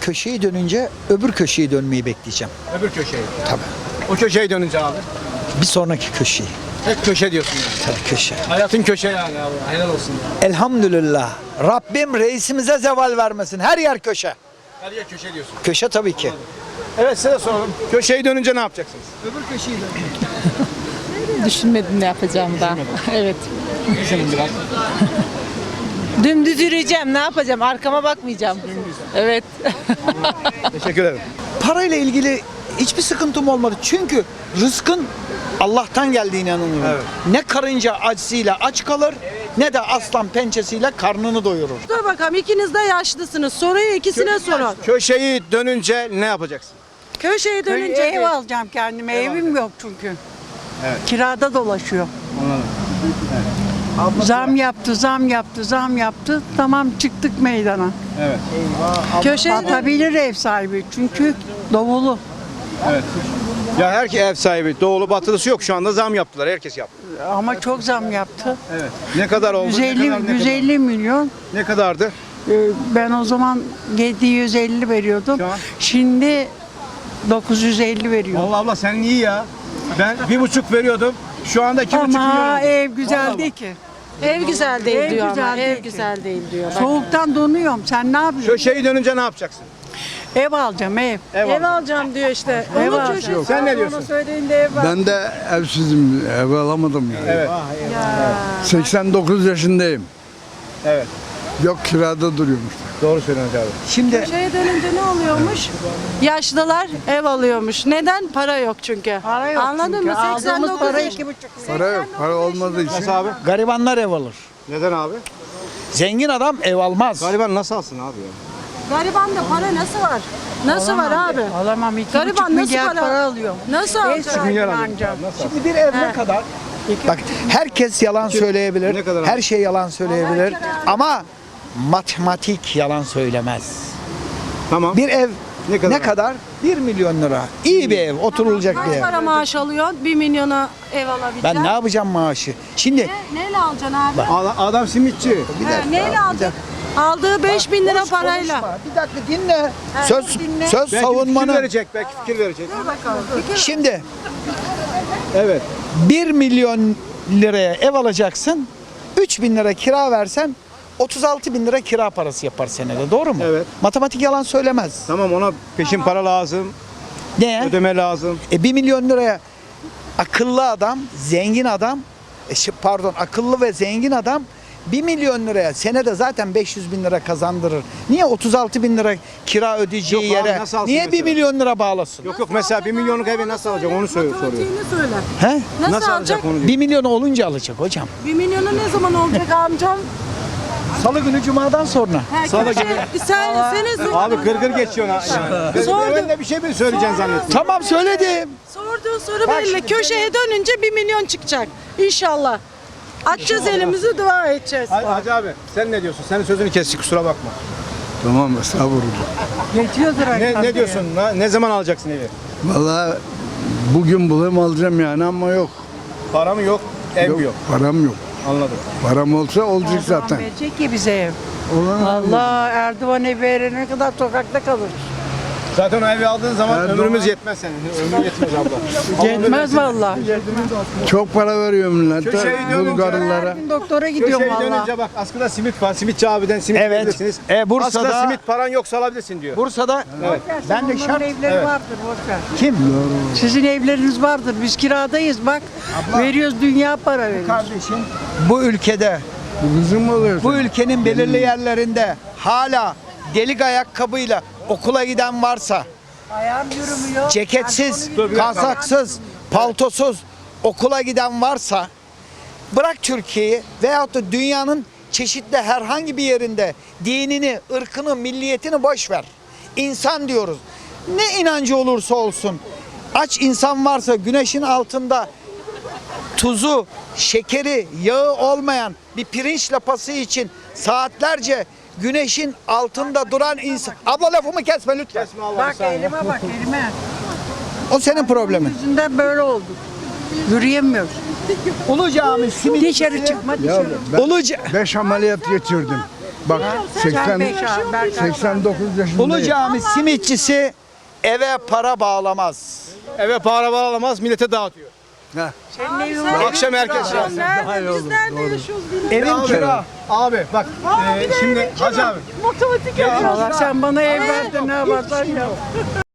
köşeyi dönünce öbür köşeyi dönmeyi bekleyeceğim. Öbür köşeyi. Tabii. O köşeyi dönünce abi. Bir sonraki köşeyi. Hep köşe diyorsun yani. Tabii köşe. Hayatın köşe yani abi. Helal olsun ya. Elhamdülillah. Rabbim reisimize zeval vermesin. Her yer köşe. Her yer köşe diyorsun. Köşe tabii ki. Evet size soralım. Köşeyi dönünce ne yapacaksınız? Öbür köşeyi Düşünmedim ne yapacağım da. Evet. Düşünün biraz. Dümdüz yürüyeceğim. Ne yapacağım? Arkama bakmayacağım. Evet. Teşekkür ederim. Parayla ilgili hiçbir sıkıntım olmadı. Çünkü rızkın Allah'tan geldiğine inanıyorum. Evet. Ne karınca acısıyla aç kalır ne de aslan pençesiyle karnını doyurur. Dur bakalım, ikiniz de yaşlısınız. Soruyu ikisine sorun. Köşeyi dönünce ne yapacaksın? Köşeyi dönünce Ev alacağım kendime. Evim yok çünkü. Evet. Kirada dolaşıyor. Zam yaptı. Tamam çıktık meydana. Evet. köşeyi Atabilir ev sahibi çünkü dovulu. Evet. Ya her ev sahibi doğulu batılısı yok. Şu anda zam yaptılar. Herkes yaptı. Ama çok zam yaptı. Evet. Ne kadar oldu? 150 milyon. Ne kadardı? Ben o zaman 750 veriyordum. Şu an? Şimdi 950 veriyorum. Allah Allah sen iyi ya. Ben 1,5 veriyordum. Şu anda 2,5 milyon Ama oldu. ev güzel değil ki. Ev güzel değil Ev diyor güzel ama. değil Ev ki. güzel değil diyor. Soğuktan donuyorum. Sen ne yapıyorsun? Köşeyi dönünce ne yapacaksın? Ev alacağım ev. Ev alacağım diyor işte. Ev Onun alacağım. köşesi. Sen ne diyorsun? Söylediğinde ev var. Ben de evsizim, ev alamadım yani. Evet. 89 yaşındayım. Evet. Yok kirada duruyormuş. Doğru söylüyorsun abi. Şimdi Köşeye dönünce ne oluyormuş? Yaşlılar ev alıyormuş. Neden? Para yok çünkü. Para yok Anladın çünkü. mı? Aldığımız 89 para yaş- 2,5. Para yok, para olmadığı için. Nasıl abi? garibanlar ev alır. Neden abi? Zengin adam ev almaz. Gariban nasıl alsın abi ya? Garibanda para nasıl var? Nasıl var abi? Alamam 2,5 Gariban nasıl milyar para- para alıyorum. Nasıl Ev alacak? sahibi Milyar alıyor. ancak. Şimdi bir ev ne kadar? Bak herkes yalan söyleyebilir. Ne kadar Her abi? şey yalan söyleyebilir. Ama matematik yalan söylemez. Tamam. Bir ev Ne kadar? ne kadar? 1 milyon lira. İyi bir ev, oturulacak bir Kaç ev. para maaş alıyorsun? 1 milyona ev alabileceksin. Ben ne yapacağım maaşı? Şimdi Neyle alacaksın abi? Adam simitçi. Neyle alacaksın? Aldığı 5.000 lira parayla. konuşma. Bir dakika dinle. Söz dinle. söz Belki savunmanı. fikir verecek. Belki fikir verecek. Şimdi Evet. 1 milyon liraya ev alacaksın. 3 bin lira kira versen 36 bin lira kira parası yapar senede. Doğru mu? Evet. Matematik yalan söylemez. Tamam ona peşin para lazım. Ne? Ödeme lazım. 1 milyon liraya akıllı adam, zengin adam, akıllı ve zengin adam 1 milyon liraya senede zaten 500 bin lira kazandırır. Niye 36 bin lira kira ödeyeceği Yok abi, yere nasıl alsın niye 1 mesela? milyon lira bağlasın? Yok mesela 1 milyonluk evi nasıl alacak onu soruyor. Matematiğini söyle. He? Nasıl, alacak? onu diyor. 1 milyon olunca alacak hocam. 1 milyonu ne zaman olacak amcam? Salı günü cumadan sonra. Salı gibi. Senin Abi gırgır geçiyor ha. Sordum. Ben de bir şey mi söyleyeceksin zannettim. Tamam söyledim. sorduğun soru belli. Köşeye dönünce 1 milyon çıkacak. İnşallah. Açacağız elimizi, dua edeceğiz. Hacı abi sen ne diyorsun? Senin sözünü kestik kusura bakma. Tamam estağfurullah. Geçiyordur Ne diyorsun? Ne zaman alacaksın evi? Vallahi bugün bulayım alacağım yani ama yok. Para mı yok? Ev mi yok? Param yok. Anladım. Param olsa olacak zaten. Verecek ki bize ev. Allah Erdoğan ev verene kadar sokakta kalır. Zaten o evi aldığın zaman Erdoğan- ömrümüz yetmez senin. Ömrün yetmez abla. Yetmez vallahi. Çok para veriyor millete, Köşeyi dönünce- Bulgarlılara. Her gün doktora gidiyorum Köşeyi vallahi. dönünce bak askıda simit var. Simitçi abiden simit Evet. alabilirsiniz. Bursa'da- Askıda simit paran yoksa alabilirsin diyor. Bursa'da ben de Onların şart evleri Evet. vardır boş ver. kim? Sizin evleriniz vardır. Biz kiradayız bak. Veriyoruz dünya para veriyoruz. Kardeşim bu ülkede Bu bizim oluyor. bu ülkenin belirli yerlerinde hala delik ayakkabıyla okula giden varsa Ayağım yürümüyor. ceketsiz, kasaksız, paltosuz okula giden varsa bırak Türkiye'yi veyahut da dünyanın çeşitli herhangi bir yerinde dinini, ırkını, milliyetini boş ver. İnsan diyoruz. Ne inancı olursa olsun aç insan varsa güneşin altında tuzu, şekeri, yağı olmayan bir pirinç lapası için saatlerce güneşin altında duran insan. Abla lafımı kesme lütfen. Bak elime bak elime. O senin problemin. Yüzünden böyle olduk. Yürüyemiyoruz. Ulu Cami simit. Dışarı çıkma Ya dışarı. ben Ulu 5 ameliyat geçirdim. Bak 85 abi, Berkay. 89 yaşındayım. Ulu Cami simitçisi eve para bağlamaz. Eve para bağlamaz, millete dağıtıyor. Akşam herkes Biz nerede yaşıyoruz bilmiyorum. Evin kira. Abi bak şimdi Hacı abi. Matematik Allah sen bana ev verdin ne yaparsan yap.